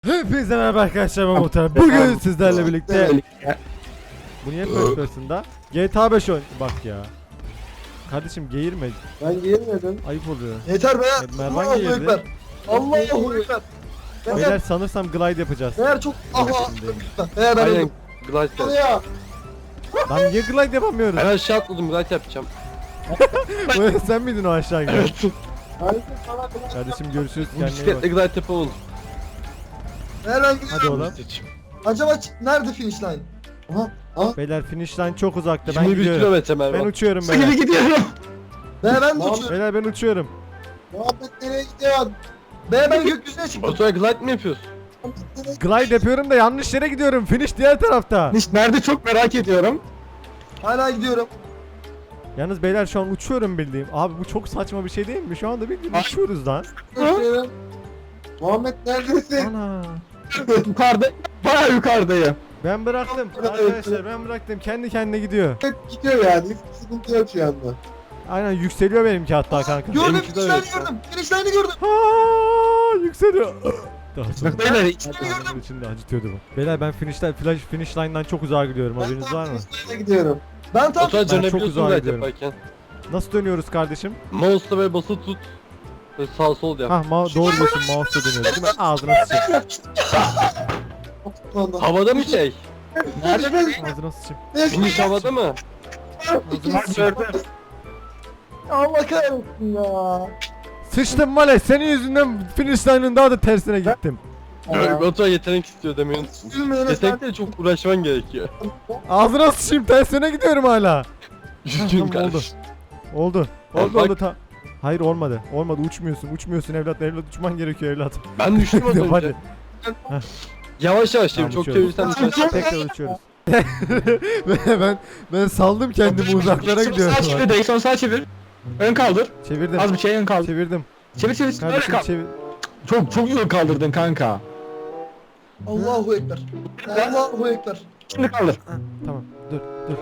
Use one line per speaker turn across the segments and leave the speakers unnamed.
Hepinize merhaba arkadaşlar, ben Muhtar. Bugün sizlerle birlikte bu niye first person'da? GTA 5 oyun. Bak ya. Kardeşim geğirme.
Ben giymedim.
Ayıp oluyor.
Yeter be.
Mervan
Allahu
giyirdi.
Ekber. Allahu Ekber.
Beyler sanırsam glide yapacağız.
Eğer çok aha. Eğer ben
Aynen
öldüm.
glide yap.
Ya.
Lan niye glide yapamıyoruz?
Ben aşağı atladım glide yapacağım.
Sen miydin o aşağı giden?
Harika sana kulaç.
Kardeşim görüşürüz,
Bu
kendine iyi
bisikletle
bak.
glide yapalım.
Eğer ben
Hadi
gidiyorum.
oğlum.
Acaba nerede finish line? Aha.
Beyler finish line çok uzakta, ben
21
gidiyorum.
kilometre
Ben
Mervan.
uçuyorum beyler.
gidiyorum. Ben de uçuyorum.
Beyler ben uçuyorum.
Muhabbet nereye gidiyorsun? Ben gökyüzüne çıktım.
Baturay glide mi yapıyorsun?
Glide yapıyorum da yanlış yere gidiyorum. Finish diğer tarafta.
Nerede çok merak ediyorum.
Hala gidiyorum.
Yalnız beyler şu an uçuyorum bildiğim. Abi bu çok saçma bir şey değil mi? Şu anda bildiğin uçuyoruz lan.
Uçuyorum. Muhammed neredesin?
Ana.
Yukarıda, bayağı yukarıdayım.
Ben bıraktım arkadaşlar, ben bıraktım. Kendi kendine gidiyor.
Hep gidiyor yani. Hiçbir sıkıntı yok şu anda.
Aynen yükseliyor benimki hatta kanka.
Gördüm,
Benimki de
finish
öyle.
line'ı gördüm. Finish line'ı gördüm.
Aa, yükseliyor. Daha sonra.
Beyler
Ağzımın içinde acıtıyordu bu. Beyler ben finish line'dan çok uzağa gidiyorum.
Ben
Haberiniz
tam
var mı?
finish line'a gidiyorum. Ben tam
Baturay
çok
dönebiliyorsun
uzağa
glide
gidiyorum.
yaparken.
Nasıl dönüyoruz kardeşim?
Mouse'la böyle basılı tut. Böyle sağ sol yap.
Hah doğru diyorsun, mouse'la dönüyoruz değil mi? Ağzına sıçayım.
anda.
Havada mı şey?
nerede ben?
Ağzına sıçayım.
Finish havada mı?
Ağzına sıçayım.
Allah kahretsin ya.
Sıçtım Male, senin yüzünden finish line'ın daha da tersine gittim.
Baturay yetenek istiyor demeyi unuttum.
Üzülmeyin
Yetenekle çok uğraşman gerekiyor.
Ağzına sıçayım, tersine gidiyorum hala.
Üzgünüm
Tamam, oldu.
kardeşim.
Oldu.
Bak,
Oldu
bak.
oldu ta. Hayır olmadı. Olmadı, uçmuyorsun evlat uçman gerekiyor evlat.
Ben düştüm az
Hadi.
önce. Yavaş yavaş
Tamam,
çok
uçuyoruz.
çevirsen düşersin.
Tekrar uçuyoruz. ben saldım kendimi, uzaklara gidiyorum.
Sağ çevir, direksiyon sağ çevir. Ön kaldır.
Çevirdim.
Az bir şey ön kaldır.
Çevirdim.
Çevir çevir. Öyle
Kardeşim
kal.
çevir.
Çok iyi kaldırdın kanka.
Allahu Ekber. Allahu Ekber.
Şimdi kaldır.
Tamam. Dur.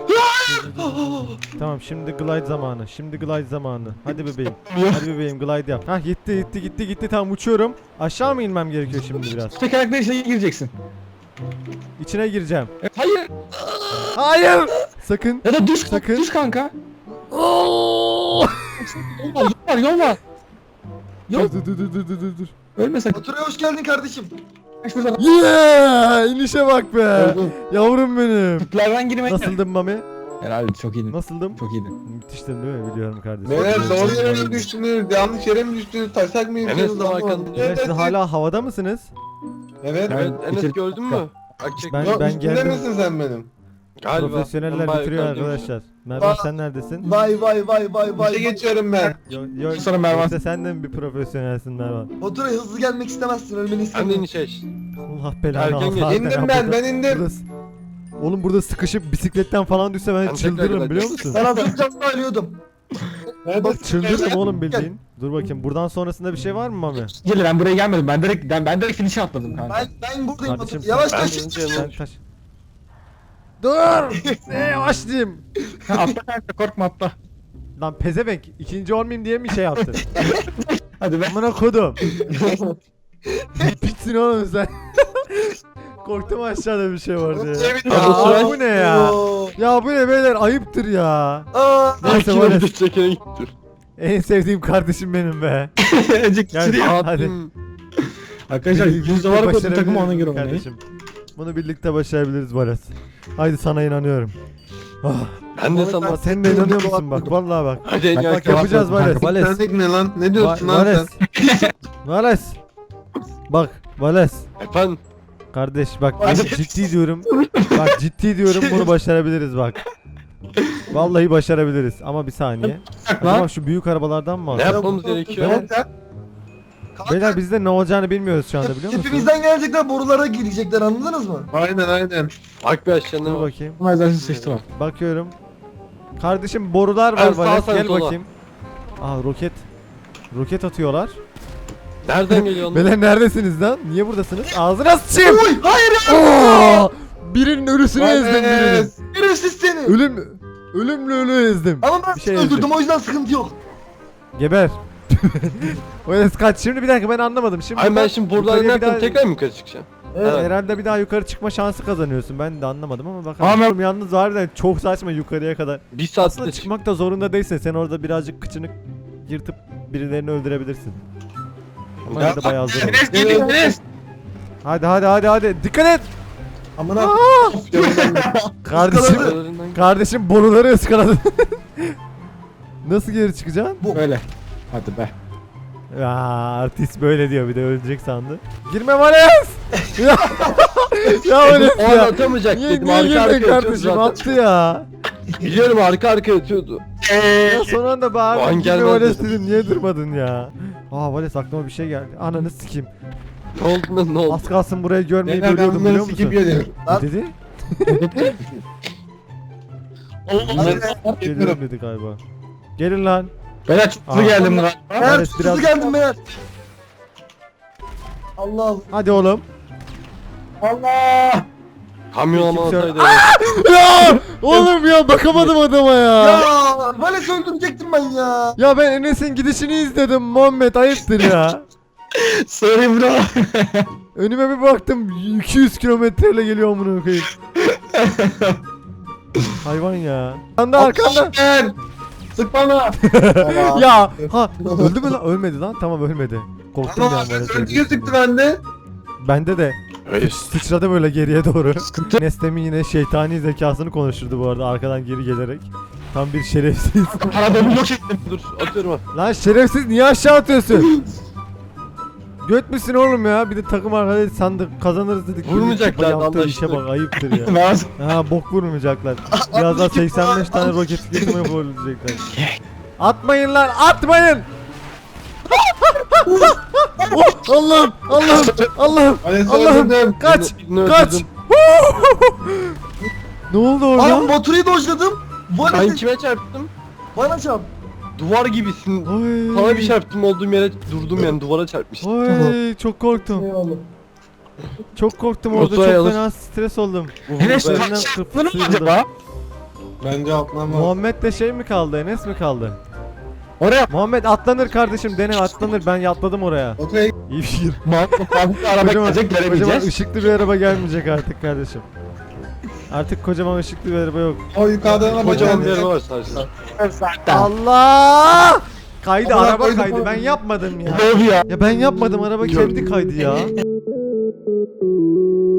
Tamam, şimdi glide zamanı. Şimdi glide zamanı. Hadi bebeğim. Hadi bebeğim glide yap. Hah gitti. Tamam uçuyorum. Aşağı mı inmem gerekiyor şimdi biraz?
Tekerlekle içine gireceksin.
İçine gireceğim.
Hayır.
Hayır. Sakın.
Ya da düz
Sakın.
Düz kanka. Yol var yol var. Yok.
Dur.
Ölme sakın.
Baturay'a hoş geldin kardeşim.
Şuradan.
Yeah! İnişe bak be.
Öldüm.
Yavrum benim.
Tüplerden girmek.
Nasıldım Mami?
Herhalde çok iyiydin.
Nasıldım?
Çok iyiydin.
Müthiştim değil mi? Biliyorum kardeşim.
Beyler
Biliyorum.
doğru yere mi düştünüz? Yanlış yere mi düştünüz? Taşak mı
Enes
yediniz?
de arkanda.
Beyler, siz hala havada mısınız?
Evet.
Evet Enes
bitir-
gördün mü? Bak çek.
Ben-
Yok, üstünde
geldim.
misin sen benim?
Galiba.
Profesyoneller
Ben
bitiriyor
bayağı yukarıdayım.
arkadaşlar. Mervan sen neredesin?
Vay. geçiyorum ben.
Yok.
Sonra Mervan.
İşte sen de mi bir profesyonelsin Mervan?
Baturay'a hızlı gelmek istemezsin. Ölmeni
Ben de
istemiyorum.
iniş eş.
Allah belanı
Erken gel.
alsın.
İndim ben indim.
Oğlum burada sıkışıp bisikletten falan düşse ben
Ben
çıldırırım
tekrar
biliyor musun?
Ben atlayacağım da ölüyordum.
Bak çıldırırım oğlum bildiğin. Dur bakayım, buradan sonrasında bir şey var mı Mami?
Gel ben buraya gelmedim. Ben direkt finish'e atladım kanka.
Ben buradayım
Kardeşim,
Batur. Yavaş
ben
taş.
ineceğim.
Sen taş. Dur! Yavaş diyeyim.
Ha, atla kanka korkma atla.
Lan pezevenk, ikinci olmayayım diye mi şey yaptın?
Hadi be.
Amına kodum. Bitsin oğlum sen. Korktum aşağıda bir şey var diye.
Aa,
bu ne ya? Ya bu ne beyler, ayıptır ya.
Aa,
Neyse
Kilometre
Vales,
çekene gittir.
en sevdiğim kardeşim benim be.
Önceki
Gel.
sürüyor.
Hadi.
Abim.
Arkadaşlar
Birlikte
%100 var kodum
başarabiliriz
takımı ona göre oynayın.
kardeşim. Bunu birlikte başarabiliriz Vales. Haydi sana inanıyorum. Ah,
Ben de sana.
sen de inanıyor musun bak, vallahi bak.
Hadi en
Bak
yakın.
yapacağız Vales. Vales.
ne lan? Ne diyorsun lan
Vales.
sen?
Vales. Bak Vales.
Efendim.
Kardeş bak, ciddi diyorum. Bak ciddi diyorum, bunu başarabiliriz bak. Vallahi başarabiliriz ama bir saniye. Acaba şu büyük arabalardan mı
Ne
alsak?
yapmamız gerekiyor?
Evet ya.
Beyler biz de ne olacağını bilmiyoruz şu anda, biliyor musunuz?
Tepemizden gelecekler, borulara girecekler, anladınız mı?
Aynen.
Bak bir aşağıya ne
Dur
var?
bakayım.
Ama ezersiz seçti var.
Bakıyorum. Kardeşim borular
Ben
var
sağa
Vales,
sen
gel
sola.
bakayım. Aa roket. Roket atıyorlar.
Nereden geliyor onlar?
Beyler neredesiniz lan? Niye buradasınız? Ağzına sıçayım.
Oy, hayır ya!
Oo! Birinin ölüsünü ezdim birinin.
Şerefsiz seni!
Ölümlü ölü ezdim.
Ama ben
Bir şey
seni öldürdüm,
ezdim.
o yüzden sıkıntı yok.
Geber. Vales kaç. Şimdi bir dakika ben anlamadım. Şimdi
Ay ben şimdi buradan
yukarıya
ne
bir daha-
yapayım? Tekrar mı yukarı çıkacağım?
Evet.
Herhalde bir daha yukarı çıkma şansı kazanıyorsun. Ben de anlamadım ama
Ama
bakalım. Yalnız harbiden çok saçma yukarıya kadar.
Bir
Aslında
saatte çık.
çıkmak da zorunda değilsin. Sen orada birazcık kıçını yırtıp birilerini öldürebilirsin. Ama yine de bayağı zor. olur.
Enes geliyor Enes.
Hadi. Dikkat et.
Amına.
Kardeşim. Kardeşim boruları ıskaladın. Nasıl geri çıkacaksın?
Böyle. Hadi be.
Ya artist böyle diyor bir de ölecek sandı. Girme Vales. ya Vales
O an
ya.
atamayacak
Niye,
dedim.
niye
Arka
girdin
arkaya atıyordu
kardeşim
zaten.
attı ya.
Biliyorum arka arkaya atıyordu.
Ya son anda
O
bağırdım.
an
Girme
gelmez
Vales
dedim.
dedim niye durmadın ya. Aa Vales aklıma bir şey geldi. Ananı sikeyim.
Ne oldu lan ne oldu?
Az kalsın burayı görmeyi
Beyler ben
ölüyordum biliyor
bunları
musun?
sikip geliyorum.
Ne dedi? Geliyorum dedi galiba. Gelin lan.
Ben çok hızlı
Aa.
geldim galiba.
Meğer
Evet, biraz-
hızlı geldim meğer. Allah
Hadi oğlum.
Allah.
Kamyon ama
Kimse-
olsaydı.
Ya oğlum ya bakamadım adama ya.
Ya Vales öldürecektim ben ya.
Ya ben Enes'in gidişini izledim Muhammed ayıptır ya.
Sorry bro.
Önüme bir baktım 200 kilometreyle geliyor amına koyayım. Hayvan ya. Arkanda.
Ben. Sık bana.
Ya ha öldü mü lan? Ölmedi lan. Tamam ölmedi. Korktum
Ama
ya
Vales
Vales
öldü
öldü.
sıktı bende.
Bende de
Hayır.
sıçradı böyle geriye doğru. Nestem'in yine şeytani zekasını konuşturdu bu arada arkadan geri gelerek. Tam bir şerefsiz.
Arabamı yok ettim.
Dur atıyorum ha.
Lan şerefsiz niye aşağı atıyorsun? Göt müsün oğlum ya? Bir de takım arkadaşı sandık kazanırız dedik.
Vurmayacaklar,
Yaptığı işe
anlaştık.
bak ayıptır ya.
Ben
Ha bok vurmayacaklar. Birazdan 85 tane roket geçmeye vurulacaklar. Atmayın lan atmayın. Oh, Allah'ım.
Vales
Allah'ım.
öldürdüm.
Kaç
Birini
kaç.
öldürdüm.
Ne oldu
Ay
orada?
motoru dojladım.
Ben
Vales'e
kime çarptım?
bana çarp.
Duvar gibisin.
Oy.
Sana bir çarptım olduğum yere durdum yani duvara çarpmıştım.
Oy çok korktum.
Eyvallah.
Çok korktum orada
Oturay
çok
alır.
fena stres oldum.
Enes
Ben-
Elinden
taşlandın mı
sıyrıldım.
acaba?
Bence atlamam.
Muhammed'le şey mi kaldı? Enes mi kaldı?
Oraya
Muhammed atlanır kardeşim dene atlanır ben atladım oraya.
Oturaya
İyi fikir.
Mahmut araba
Kocaman,
gelecek
kocaman
göremeyeceğiz.
ışıklı bir araba gelmeyecek artık kardeşim. Artık kocaman ışıklı bir araba yok.
o yukarıdan ama
Kocaman bir
geldi.
araba var sadece.
Allah! Kaydı
Ama
araba
koydum
kaydı
oğlum.
ben yapmadım ya.
Ne oldu ya?
Ya ben yapmadım araba kendi kaydı ya.